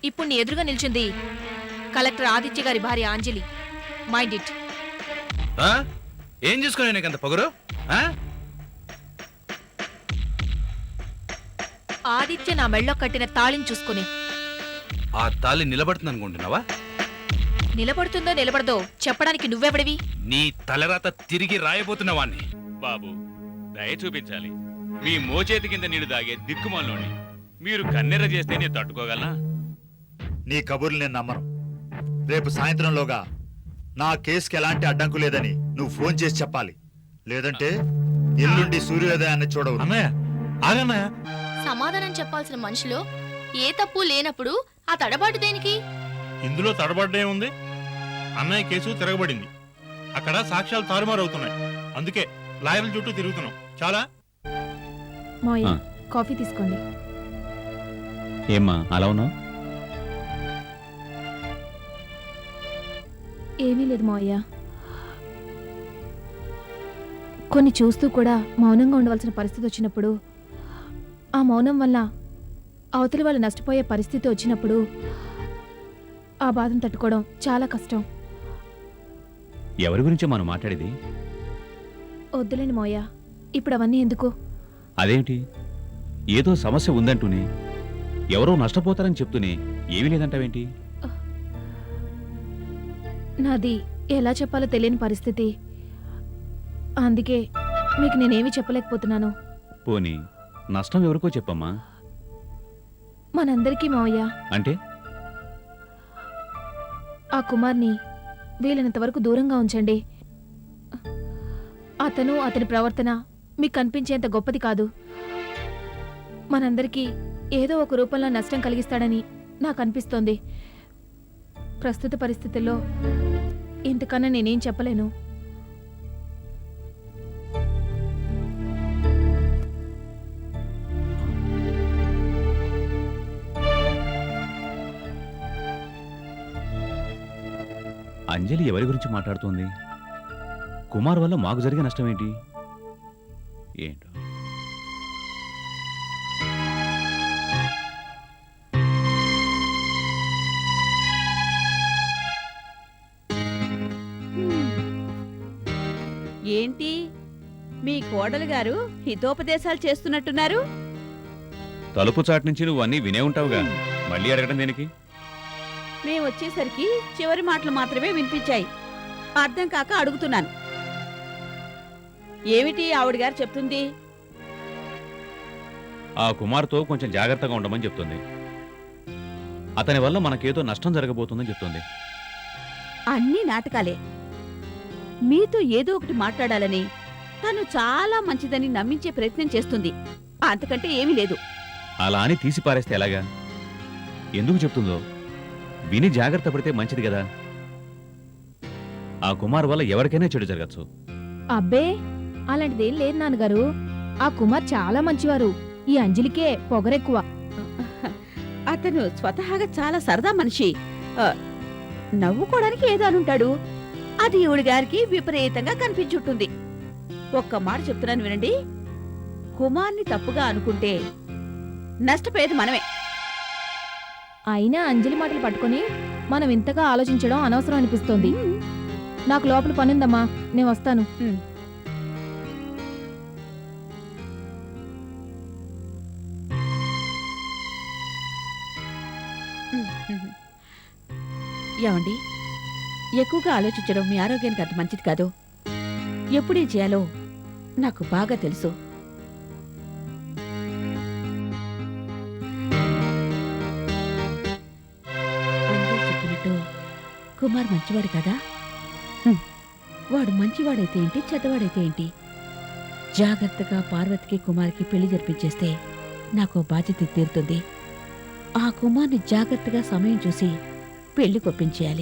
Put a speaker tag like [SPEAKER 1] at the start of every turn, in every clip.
[SPEAKER 1] ఇప్పుడు నీ ఎదురుగా నిల్చుంది కలెక్టర్ ఆదిత్య గారి భార్య అంజలి. Mind it.
[SPEAKER 2] ఏం చూసుకునే నీకంత పొగరు?
[SPEAKER 1] ఆదిత్య నా మెళ్ళో కట్టిన తాళిని చూసుకుని.
[SPEAKER 2] ఆ తాళి నిలబడుతుంది అనుకుంటున్నావా?
[SPEAKER 1] నిలబడుతుందో నిలబడదో చెప్పడానికి నువ్వెవడివి?
[SPEAKER 2] నీ తలరాత తిరిగి రాయబోతున్నవాణ్ణి.
[SPEAKER 3] బాబు దయ చూపించాలి. మీ మోచేతి కింద నీళ్లు దాగే దిక్కుమాలోని మీరు కన్నెర్ర చేస్తే నేను తట్టుకోగలనా?
[SPEAKER 4] నీ కబుర్లు నేను నమ్మను. రేపు సాయంత్రంలోగా నా కేసుకి ఎలాంటి అడ్డంకు లేదని నువ్వు ఫోన్ చేసి చెప్పాలి. లేదంటే ఎల్లుండి సూర్యోదయాన్ని చూడవు.
[SPEAKER 5] సమాధానం చెప్పాల్సిన మనిషిలో ఏ తప్పు లేనప్పుడు ఆ తడబాటు దేనికి?
[SPEAKER 6] ఇందులో తడబడ్డే ఉంది. అన్నయ్య కేసు తిరగబడింది. అక్కడ సాక్ష్యాలు తారుమారవుతున్నాయి. అందుకే లాయర్ల చుట్టూ తిరుగుతున్నాం. చాలా
[SPEAKER 1] కాఫీ తీసుకోండి.
[SPEAKER 7] ఏమ్మా అలా ఉన్నావు?
[SPEAKER 1] ఏమీ లేదు మావయ్య. కొన్ని చూస్తూ కూడా మౌనంగా ఉండవలసిన పరిస్థితి వచ్చినప్పుడు, ఆ మౌనం వల్ల అవతలి వాళ్ళు నష్టపోయే పరిస్థితి వచ్చినప్పుడు ఆ బాధను తట్టుకోవడం చాలా కష్టం.
[SPEAKER 7] ఎవరి గురించి మనం మాట్లాడేది?
[SPEAKER 1] వద్దులేండి మావయ్య, ఇప్పుడు అవన్నీ ఎందుకు?
[SPEAKER 7] అదేమిటి, ఏదో సమస్య ఉందంటూనే, ఎవరో నష్టపోతారని చెప్తూనే ఏమీ లేదంటావేంటి?
[SPEAKER 1] నాది ఎలా చెప్పాలో తెలియని పరిస్థితి. అందుకే మీకు నేనేమీ చెప్పలేకపోతున్నాను.
[SPEAKER 7] పోనీ నష్టం ఎవరికో చెప్పమ్మా.
[SPEAKER 1] మనందరికీ మావయ్య.
[SPEAKER 7] అంటే
[SPEAKER 1] ఆ కుమార్ని వీలైనంత వరకు దూరంగా ఉంచండి. అతను అతని ప్రవర్తన మీకు కనిపించేంత గొప్పది కాదు. మనందరికీ ఏదో ఒక రూపంలో నష్టం కలిగిస్తాడని నాకు అనిపిస్తోంది. ప్రస్తుత పరిస్థితుల్లో ఇంతకన్నా నేనేం చెప్పలేను.
[SPEAKER 7] అంజలి ఎవరి గురించి మాట్లాడుతోంది? కుమార్ వల్ల మాకు జరిగే నష్టం ఏంటి? ఏంటో
[SPEAKER 8] ఏంటి మీ కోడలు గారు హితోపదేశాలు చేస్తున్నట్టున్నారు?
[SPEAKER 7] తలుపు చాటు నుంచి నువ్వు అన్నీ వినే ఉంటావుగా, మళ్ళీ అడగడం దేనికి?
[SPEAKER 8] మేము వచ్చేసరికి చివరి మాటలు మాత్రమే వినిపించాయి. అర్థం కాక అడుగుతున్నాను. ఏమిటి ఆవిడ గారు చెప్తుంది?
[SPEAKER 7] ఆ కుమార్తో కొంచెం జాగ్రత్తగా ఉండమని చెప్తుంది. అతని వల్ల మనకేదో నష్టం జరగబోతుందని చెప్తుంది.
[SPEAKER 8] అన్నీ నాటకాలే. మీతో ఏదో ఒకటి మాట్లాడాలని, తను చాలా మంచిదని నమ్మించే ప్రయత్నం చేస్తుంది. అంతకంటే ఏమీ లేదు.
[SPEAKER 7] అలా అని తీసి పారేస్తే ఎలాగా? ఎందుకు చెప్తుందో విని జాగ్రత్త పడితే మంచిది కదా. ఆ కుమార్ వల్ల ఎవరికైనా చెడు జరగచ్చు.
[SPEAKER 1] అబ్బే, అలాంటిదేం లేదు నాన్నగారు. ఆ కుమార్ చాలా మంచివారు. ఈ అంజలికే పొగరెక్కువ.
[SPEAKER 8] అతను స్వతహాగా చాలా సరదా మనిషి. నవ్వుకోవడానికి ఏదో అనుంటాడు. అది ఈవిడ గారికి విపరీతంగా కనిపించుంటుంది. ఒక్క మాట చెప్తున్నాను వినండి. కుమార్ని తప్పుగా అనుకుంటే నష్టపోయేది మనమే.
[SPEAKER 1] అయినా అంజలి మాటలు పట్టుకొని మనం ఇంతగా ఆలోచించడం అనవసరం అనిపిస్తోంది. నాకు లోపల పనుందమ్మా, నేను వస్తాను.
[SPEAKER 8] ఏమండి, ఎక్కువగా ఆలోచించడం మీ ఆరోగ్యానికి అంత మంచిది కాదు. ఎప్పుడేం చేయాలో నాకు బాగా తెలుసు. అందరూ చెప్పినట్టు కుమార్ మంచివాడు కదా. వాడు మంచివాడైతే ఏంటి, చెడ్డవాడైతే ఏంటి? జాగ్రత్తగా పార్వతికి కుమార్కి పెళ్లి జరిపించేస్తే నాకు బాధ్యత తీరుతుంది. ఆ కుమార్ని జాగ్రత్తగా సమయం చూసి పెళ్లి కొప్పించేయాలి.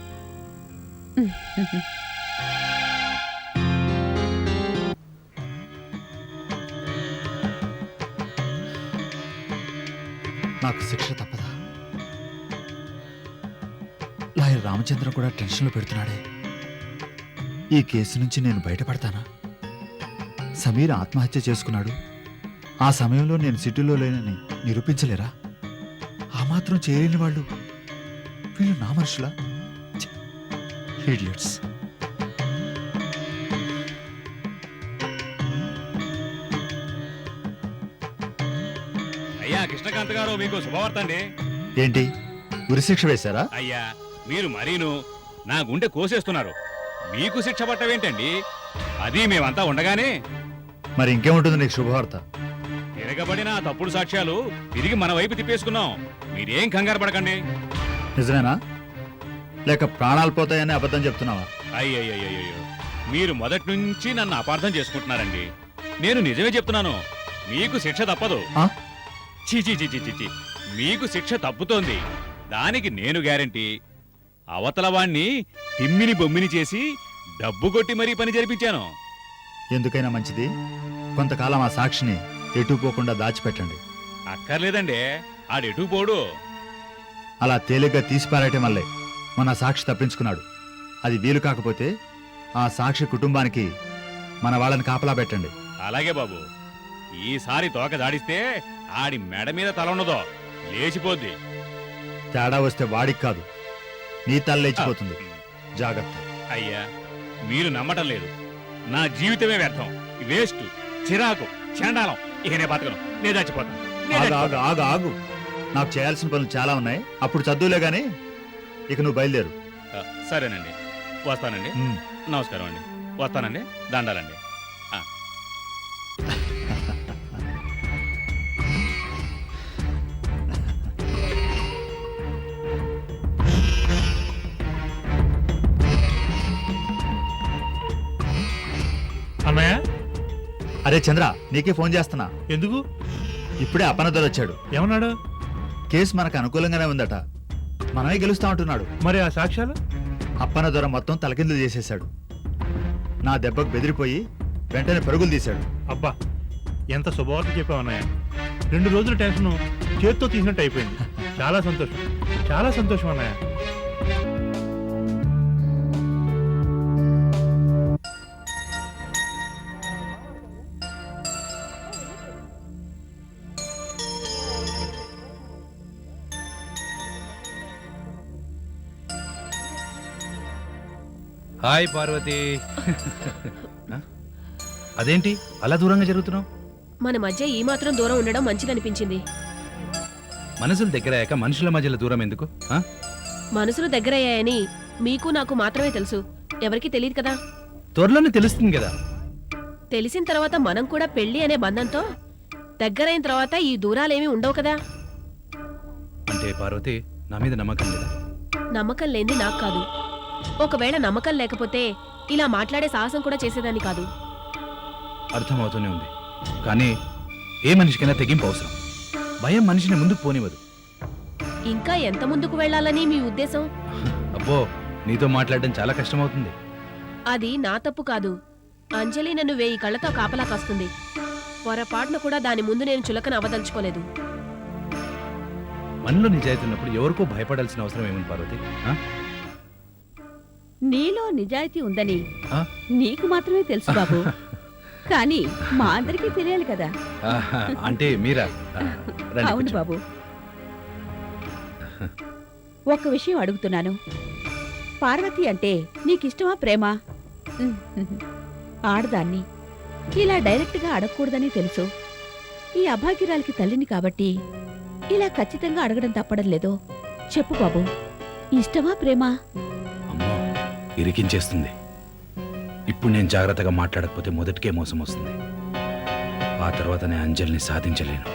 [SPEAKER 4] నాకు శిక్ష తప్పదా? లాయర్ రామచంద్ర కూడా టెన్షన్లో పెడుతున్నాడే. ఈ కేసు నుంచి నేను బయటపడతానా? సమీర్ ఆత్మహత్య చేసుకున్నాడు. ఆ సమయంలో నేను సిటీలో లేనని నిరూపించలేరా? ఆ మాట మాత్రం చేయలేని వాళ్ళు వీళ్ళు నా మనుషులా? ఇడియట్స్.
[SPEAKER 3] అయ్యా కృష్ణకాంత్ గారు మీకు శుభవార్త అండి.
[SPEAKER 4] ఏంటి ఉరిశిక్ష వేశారా?
[SPEAKER 3] అయ్యా మీరు మరీను నా గుండె కోసేస్తున్నారు. మీకు శిక్ష పట్టవేంటండి? అది మేమంతా ఉండగానే
[SPEAKER 4] మరి ఇంకేముంటుంది నీకు శుభవార్త?
[SPEAKER 3] తిరగబడిన ఆ తప్పుడు సాక్ష్యాలు తిరిగి మన వైపు తిప్పేసుకున్నాం. మీరేం కంగారు పడకండి.
[SPEAKER 4] నిజమేనా లేక ప్రాణాలు పోతాయని అబద్ధం చెప్తున్నావా?
[SPEAKER 3] అయ్యయ్యో, మీరు మొదటి నుంచి నన్ను అపార్థం చేసుకుంటున్నారండి. నేను నిజమే చెప్తున్నాను. మీకు శిక్ష తప్పదు.
[SPEAKER 4] ఆ?
[SPEAKER 3] చీ చీ చీ చీ చీ చీ. మీకు శిక్ష తప్పుతోంది. దానికి నేను గ్యారంటీ. అవతల వాణ్ణి తిమ్మిని బొమ్మిని చేసి డబ్బు కొట్టి మరీ పని జరిపించాను.
[SPEAKER 4] ఎందుకైనా మంచిది కొంతకాలం ఆ సాక్షిని ఎటు పోకుండా దాచిపెట్టండి.
[SPEAKER 3] అక్కర్లేదండి, ఆడెటూ పోడు.
[SPEAKER 4] అలా తేలిగ్గా తీసిపారేయటం వల్లే మన సాక్షి తప్పించుకున్నాడు. అది వీలు కాకపోతే ఆ సాక్షి కుటుంబానికి మన వాళ్ళని కాపలా పెట్టండి.
[SPEAKER 3] అలాగే బాబు. ఈసారి తోక దాడిస్తే ఆడి మెడ మీద తల ఉన్నదో లేచిపోద్ది.
[SPEAKER 4] తేడా వస్తే వాడికి కాదు నీ తల లేచిపోతుంది. జాగ్రత్త.
[SPEAKER 3] అయ్యా మీరు నమ్మటం లేదు. నా జీవితమే వ్యర్థం, వేస్ట్, చిరాకు, చండాలం. ఇక నేను బతకను, నేను చచ్చిపోతాను.
[SPEAKER 4] ఆగు ఆగు ఆగు ఆగు. నాకు చేయాల్సిన పనులు చాలా ఉన్నాయి. అప్పుడు చదువులే గాని ఇక నువ్వు బయలుదేరు.
[SPEAKER 3] సరేనండి, వస్తానండి.
[SPEAKER 4] ఉమ్.
[SPEAKER 3] నమస్కారం అండి. వస్తానండి. దండాలండి.
[SPEAKER 6] అన్నయ్య
[SPEAKER 4] అరే చంద్ర, నీకే ఫోన్ చేస్తున్నా.
[SPEAKER 6] ఎందుకు?
[SPEAKER 4] ఇప్పుడే అపనదర్ వచ్చాడు.
[SPEAKER 6] ఏమన్నాడు?
[SPEAKER 4] కేసు మనకు అనుకూలంగానే ఉందట, మనమే గెలుస్తా ఉంటున్నాడు.
[SPEAKER 6] మరి ఆ సాక్ష్యాలు?
[SPEAKER 4] అప్పన దొర మొత్తం తలకిందులు చేసేశాడు. నా దెబ్బకు బెదిరిపోయి వెంటనే పరుగులు తీశాడు.
[SPEAKER 6] అబ్బా, ఎంత శుభవార్త చెప్పావు అన్నయ్య. 2 రోజుల టెన్షన్ చేత్తో తీసినట్టు అయిపోయింది. చాలా సంతోషం, చాలా సంతోషం అన్నయ్య.
[SPEAKER 2] హాయ్ పార్వతి. ఆ? అదేంటి అలా దూరంగా జరుగుతున్నావు?
[SPEAKER 9] మన మధ్య ఈ మాత్రం దూరం ఉండడం మంచిదనిపించింది.
[SPEAKER 2] మనసులు దగ్గరయ్యాక మనుషుల మధ్యలో దూరం ఎందుకు? ఆ?
[SPEAKER 9] మనసులు దగ్గరయ్యాయని మీకు నాకు మాత్రమే తెలుసు, ఎవరికీ తెలియదు కదా.
[SPEAKER 2] త్వరలోనే తెలుస్తుంది కదా.
[SPEAKER 9] తెలిసిన తర్వాత మనం కూడా పెళ్లి అనే బంధంతో దగ్గరైన తర్వాత ఈ దూరాలేమీ ఉండవు కదా.
[SPEAKER 2] అంటే పార్వతి నా మీద నమ్మకం లేదా?
[SPEAKER 9] నమ్మకం లేనిది నాకు కాదు. ఒకవేళ నమ్మకం లేకపోతే ఇలా మాట్లాడే సాహసం కూడా చేసేదాన్ని కాదు.
[SPEAKER 2] అర్థమవుతూనే ఉంది, కానీ ఏ మనిషికైనా తెగింపు అవసరం. భయం మనిషిని ముందుకు పోనివ్వదు.
[SPEAKER 9] ఇంకా ఎంత ముందుకు వెళ్ళాలని మీ ఉద్దేశం?
[SPEAKER 2] అబ్బో, నీతో మాట్లాడడం చాలా కష్టమవుతుంది.
[SPEAKER 9] అది నా తప్పు కాదు. అంజలి నన్ను 1000 కళ్ళతో కాపలా కాస్తుంది. పొరపాటున కూడా దాని ముందు నేను చులకన అవదలుచుకోలేదు.
[SPEAKER 2] మనలో నిజాయితీ ఉన్నప్పుడు ఎవరికో భయపడాల్సిన అవసరం ఏముంది పార్వతి? ఆ?
[SPEAKER 8] నీలో నిజాయితీ ఉందని
[SPEAKER 2] ఆ?
[SPEAKER 8] నీకు మాత్రమే తెలుసు బాబు. కానీ మా అందరికీ తెలియాలి కదా.
[SPEAKER 2] ఆహా, అంటే మీరా? ఆ, రండి
[SPEAKER 8] అవును
[SPEAKER 2] కూర్చో.
[SPEAKER 8] బాబు. ఒక విషయం అడుగుతున్నాను. పార్వతి అంటే నీకిష్టమా ప్రేమ? ఆడదాన్ని ఇలా డైరెక్ట్గా అడగకూడదని తెలుసు. ఈ అభాగ్యురాలికి తల్లిని కాబట్టి ఇలా ఖచ్చితంగా అడగడం తప్పడం లేదో చెప్పు బాబు. ఇష్టమా ప్రేమ?
[SPEAKER 2] అమ్మో, ఇరికించేస్తుంది. ఇప్పుడు నేను జాగ్రత్తగా మాట్లాడకపోతే మొదటికే మోసం వస్తుంది. ఆ తర్వాత నేను అంజలిని సాధించలేను.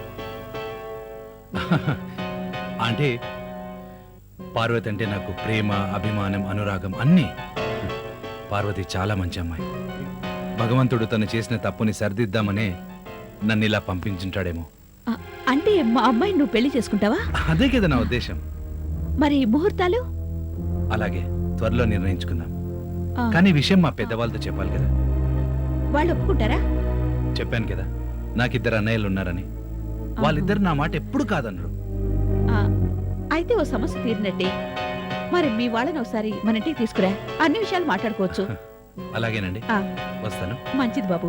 [SPEAKER 2] అంటే పార్వతి అంటే నాకు ప్రేమ, అభిమానం, అనురాగం అన్నీ. పార్వతి చాలా మంచి అమ్మాయి. భగవంతుడు తను చేసిన తప్పుని సరిదిద్దామనే నన్ను ఇలా పంపించుంటాడేమో.
[SPEAKER 8] అంటే మా అమ్మాయిని నువ్వు పెళ్లి చేసుకుంటావా?
[SPEAKER 2] అదే కదా నా ఉద్దేశం.
[SPEAKER 8] మరి ముహూర్తాలు?
[SPEAKER 2] అలాగే త్వరలో నిర్ణయించుకుందాం.
[SPEAKER 8] ఆ,
[SPEAKER 2] కానీ ఈ విషయం మా పెద్దవాళ్ళతో చెప్పాలి కదా.
[SPEAKER 8] వాళ్ళు ఒప్పుకుంటారా?
[SPEAKER 2] చెప్పాను కదా, నాకిద్దరు అన్నయ్యలు ఉన్నారని. వాళ్ళిద్దరు నా మాట ఎప్పుడు కాదనరు.
[SPEAKER 8] ఆ, అయితే ఓ సమస్య తీరినట్టే. మరి మీ వాళ్ళని ఒకసారి మన ఇంటికి తీసుకురా, అన్ని విషయాలు మాట్లాడుకోవచ్చు.
[SPEAKER 2] అలాగేనండి,
[SPEAKER 8] ఆ.
[SPEAKER 2] వస్తాను.
[SPEAKER 8] మంచిది బాబు.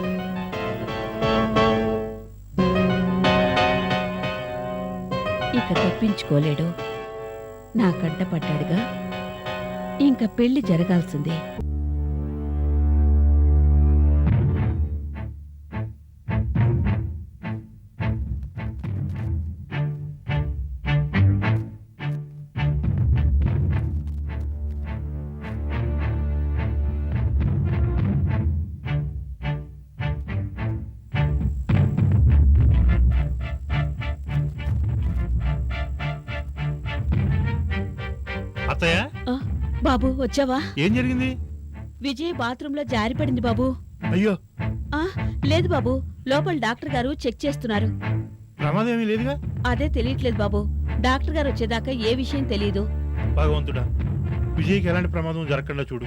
[SPEAKER 8] ఇక తప్పించుకోలేడు. నా కంట పడ్డాడుగా, ఇంకా పెళ్లి జరగాల్సిందే.
[SPEAKER 6] అత్తయ్య,
[SPEAKER 8] బాబు వచ్చావా?
[SPEAKER 6] ఏం జరిగింది?
[SPEAKER 8] విజయ్ బాత్రూంలో జారిపడింది బాబు.
[SPEAKER 6] అయ్యో,
[SPEAKER 8] లేదు బాబు, లోపల డాక్టర్ గారు చెక్ చేస్తున్నారు.
[SPEAKER 6] ప్రమాదం ఏమీ లేదుగా?
[SPEAKER 8] అదే తెలియట్లేదు బాబు. డాక్టర్ గారు వచ్చేదాకా ఏ విషయం తెలియదు.
[SPEAKER 6] భగవంతుడా, విజయ్కి ఎలాంటి ప్రమాదం జరగకుండా చూడు.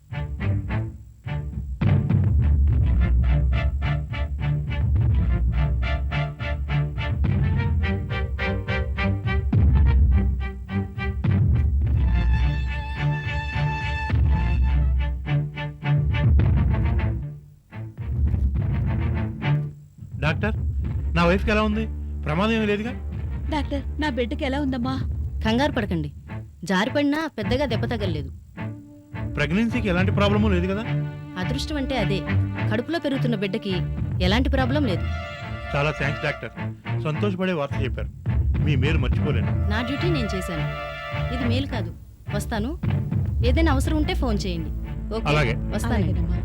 [SPEAKER 6] డాక్టర్, నా వైఫ్కి ఎలా ఉంది? ప్రమాదం ఏమీ లేదుగా?
[SPEAKER 8] డాక్టర్, నా బిడ్డకి ఎలా ఉందమ్మా?
[SPEAKER 5] కంగారు పడకండి, జారిపడినా పెద్దగా దెబ్బ తగలలేదు.
[SPEAKER 6] ప్రెగ్నెన్సీకి ఎలాంటి ప్రాబ్లము లేదు కదా?
[SPEAKER 5] అదృష్టం అంటే అదే, కడుపులో పెరుగుతున్న బిడ్డకి ఎలాంటి ప్రాబ్లం లేదు.
[SPEAKER 6] చాలా థ్యాంక్స్ డాక్టర్, సంతోషపడే వార్త చెప్పారు. మీ మేలు మర్చిపోలేను.
[SPEAKER 5] నా డ్యూటీ నేను చేశాను. ఇది మేలు కాదు. వస్తాను. ఏదైనా అవసరం ఉంటే ఫోన్ చేయండి. ఓకే,
[SPEAKER 6] అలాగే.
[SPEAKER 5] వస్తాను.
[SPEAKER 8] అలాగేనమ్మా.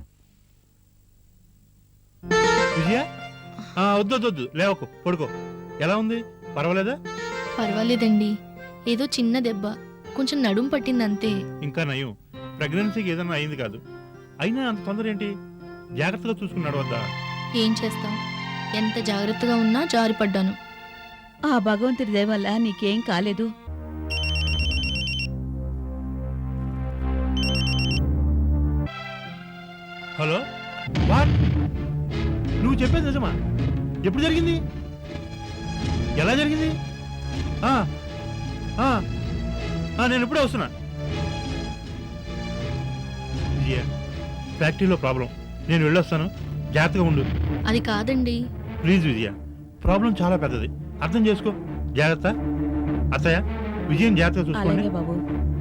[SPEAKER 6] విజయ, వద్దు లేవకు, పడుకో. ఎలా ఉంది? పర్వాలేదా?
[SPEAKER 5] పర్వాలేదండి, ఏదో చిన్న దెబ్బ, కొంచెం నడుం పట్టిందంతే.
[SPEAKER 6] ఇంకా నయం, ప్రెగ్నెన్సీకి ఏదైనా అయింది కాదు. అయినా అంత తొందర ఏంటి? జాగ్రత్తగా చూసుకున్నాడు వద్దా?
[SPEAKER 5] ఏం చేస్తాం, ఎంత జాగ్రత్తగా ఉన్నా జారిపడ్డాను.
[SPEAKER 8] ఆ భగవంతుడి దయ వల్ల నీకేం కాలేదు.
[SPEAKER 6] Hello, what? నువ్వు చెప్పేది నిజమా? ఎప్పుడు జరిగింది? ఎలా జరిగింది? నేను ఇప్పుడే వస్తున్నా. విజయ, ఫ్యాక్టరీలో ప్రాబ్లం, నేను వెళ్ళొస్తాను, జాగ్రత్తగా ఉండు.
[SPEAKER 5] అది కాదండి.
[SPEAKER 6] ప్లీజ్ విజయ, ప్రాబ్లం చాలా పెద్దది, అర్థం చేసుకో. జాగ్రత్త. అత్తయ్య, విజయం జాగ్రత్తగా చూసుకోండి.
[SPEAKER 8] అలాగే బాబు.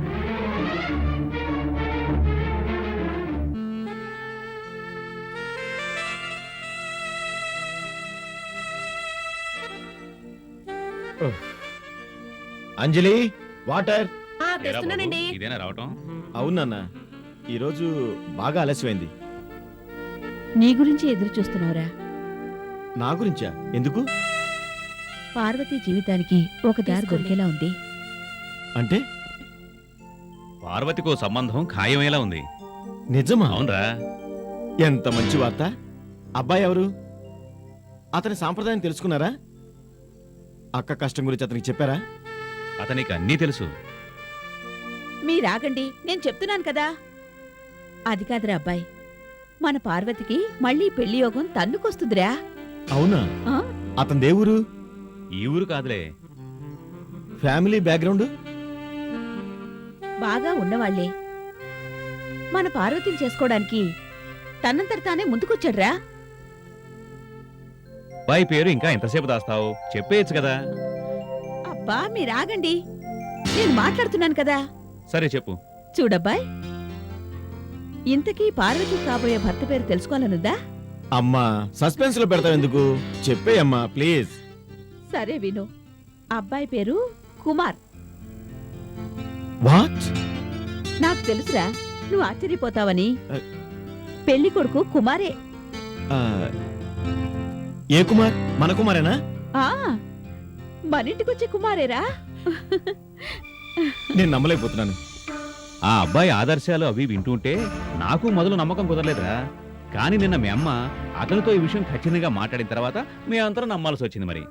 [SPEAKER 10] అంజలి, వాటర్.
[SPEAKER 9] తెస్తున్నానండి.
[SPEAKER 3] ఇదేనా రావటం?
[SPEAKER 10] అవునన్నా, ఈరోజు బాగా ఆలస్యమైంది.
[SPEAKER 8] నీ గురించి ఎదురు చూస్తున్నావురా?
[SPEAKER 10] నా గురించా? ఎందుకు?
[SPEAKER 8] పార్వతీ జీవితానికి ఒక దారి దొరికేలా ఉంది.
[SPEAKER 10] అంటే
[SPEAKER 7] పార్వతికో సంబంధం ఖాయమేలా ఉంది.
[SPEAKER 10] నిజమా?
[SPEAKER 7] అవునరా?
[SPEAKER 10] ఎంత మంచి వార్త. అబ్బాయి ఎవరు? అతని సాంప్రదాయం తెలుసుకున్నారా? అక్క కష్టం గురించి అతనికి చెప్పారా?
[SPEAKER 7] అతనికి అన్నీ తెలుసు.
[SPEAKER 8] మీరాగండి, నేను చెప్తున్నాను కదా. అది కాదురా అబ్బాయి, మన పార్వతికి మళ్ళీ పెళ్లి యోగం తన్నుకొస్తుందిరా.
[SPEAKER 10] అవునా?
[SPEAKER 8] ఆ?
[SPEAKER 10] అతని దేవురు?
[SPEAKER 7] ఈ ఊరు కాదులే.
[SPEAKER 10] Family background?
[SPEAKER 8] బాగా ఉన్నవాళ్లే. మన పార్వతిని చేసుకోవడానికి తనంతట తానే ముందుకొచ్చాడ్రా.
[SPEAKER 7] అబ్బాయి పేరు ఇంకా ఎంతసేపు దాస్తావు? చెప్పేయచ్చు కదా.
[SPEAKER 8] అబ్బా మీరాగండి, నేను మాట్లాడుతున్నాను కదా.
[SPEAKER 7] సరే చెప్పు.
[SPEAKER 8] చూడబ్బాయ్, ఇంతకీ పార్వతి కాబోయే భర్త పేరు తెలుసుకోవాలనుందా?
[SPEAKER 10] అమ్మా, సస్పెన్స్ లో పెడతావు ఎందుకు? చెప్పేయమ్మా ప్లీజ్.
[SPEAKER 8] సరే విను, అబ్బాయి పేరు కుమార్.
[SPEAKER 10] వాట్?
[SPEAKER 8] నాకు తెలుసురా, నువ్వు ఆశ్చర్యపోతావని. పెళ్లి కొడుకు కుమారే.
[SPEAKER 10] ఏ కుమార్? మన కుమారేనా?
[SPEAKER 8] ఆ మనింటికొచ్చే కుమారేరా.
[SPEAKER 10] నేను నమ్మలేకపోతున్నాను.
[SPEAKER 7] ఆ అబ్బాయి ఆదర్శాలు అవి వింటుంటే నాకు మొదలు నమ్మకం కుదరలేదురా. కానీ నిన్న మీ అమ్మ అతనితో ఈ విషయం ఖచ్చితంగా మాట్లాడిన తర్వాత మీ అంతరం నమ్మాల్సి వచ్చింది. మరి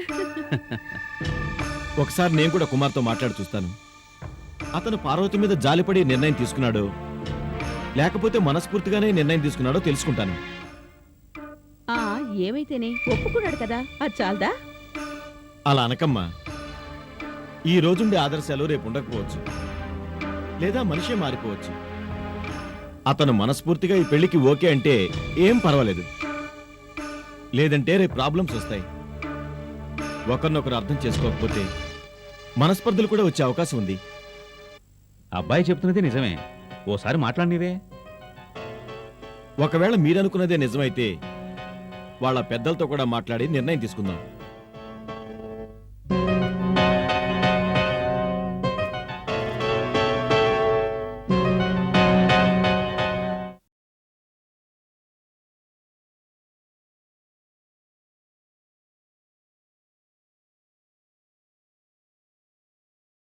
[SPEAKER 10] ఒకసారి నేను కూడా కుమార్తో మాట్లాడి చూస్తాను. అతను పార్వతి మీద జాలిపడి నిర్ణయం తీసుకున్నాడో లేకపోతే మనస్ఫూర్తిగానే నిర్ణయం తీసుకున్నాడో తెలుసుకుంటాను.
[SPEAKER 8] ఆ ఏమైతేనే ఒప్పుకున్నాడు కదా, అది చాలదా?
[SPEAKER 10] అలా అనకమ్మా. ఈ రోజుండే ఆదర్శాలు రేపు ఉండకపోవచ్చు, లేదా మనిషే మారిపోవచ్చు. అతను మనస్ఫూర్తిగా ఈ పెళ్లికి ఓకే అంటే ఏం పర్వాలేదు, లేదంటే రేపు ప్రాబ్లమ్స్ వస్తాయి. ఒకరినొకరు అర్థం చేసుకోకపోతే మనస్పర్ధలు కూడా వచ్చే అవకాశం ఉంది.
[SPEAKER 7] అబ్బాయి చెప్తున్నది నిజమే, ఓసారి మాట్లాడినవే.
[SPEAKER 10] ఒకవేళ మీరనుకున్నదే నిజమైతే వాళ్ళ పెద్దలతో కూడా మాట్లాడి నిర్ణయం తీసుకుందాం.